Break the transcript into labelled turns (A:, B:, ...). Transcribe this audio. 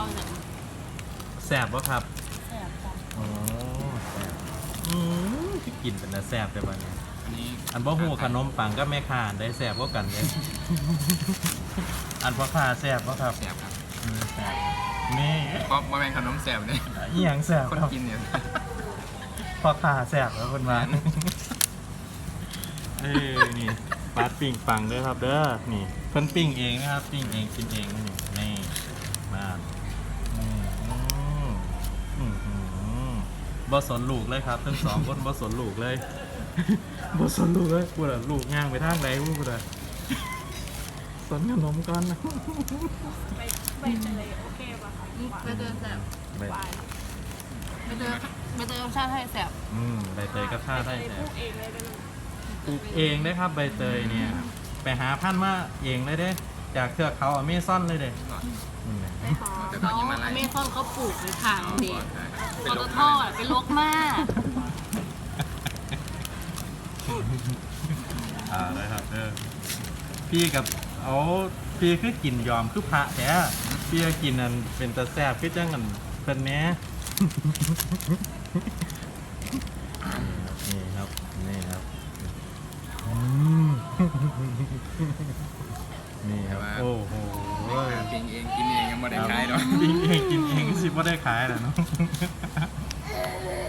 A: ฟังจาก
B: แซ่บบ่ครับ
A: แสบจ้ะ
B: โอ้แซ่บที่กินเป็นแต่แซ่บแต่วันนี้
C: อันนี้
B: อันบ่ฮู้ขนมปังก็แม่ค้าอันได้แซ่บกว่ากันเด้ อันพ่อค้าแซ่บบ่ครับ
C: แสบครับ
B: แซ่บนี่
C: เพราะว่าแมงขนมแสบเนี่ย
B: อีหยังแซ่บ
C: คน
B: ครับ
C: กินเนี่ย
B: พ่อค้าแซ่บแล้วคนมานี่ปาดปิ้งปังเด้อครับเด้อนี่เพิ่นปิ้งเองนะครับปิ้งเองกินเองนี่มาบ่สนลูกเลยครับทั้งสองคนบ่สนลูกเลย บ่สนลูกเลยพูดอะลูกย่างไปทางใดพูดอะสนขนมก่อนนะ
A: ไปเตยโอเคป่ะคะ
D: ใบเตยแสบ
B: ใบ
A: หวาน
D: ใบเตยรสชาติให้แสบ
B: ใบเตยก็ท่าได้
A: ใบเตย
B: แต่
A: ปลูกเองเลยได้ไหม
B: ปลูกเองได้ครับใบเตยเนี่ยไปหาพันธุ์มาเองเลยเด้จากเทือกเขาอเมซอนเลยเด้นี่แหละ
A: ไปหอม
C: แต่ก็
D: เขา
C: ยังมาไล่
D: อเมซอนเขาปลูกในทางเด็ก
C: เป็
D: ป
C: น
D: ต
C: โรค
D: ทเป็นลกมาก
B: เลยครับพี่กับเอาพี่คือกินยอมคือพระแท้พี่ก็กินอันเป็นตะแซ่บคือจังกันเป็นเนี้ยนี่ครับนี่ครับนี่ครับโอ้โห
C: ปิ้งเองกินเองยังไม่ได้ขายหรอก
B: กินเองสิว่าได้ขายแหละเนาะ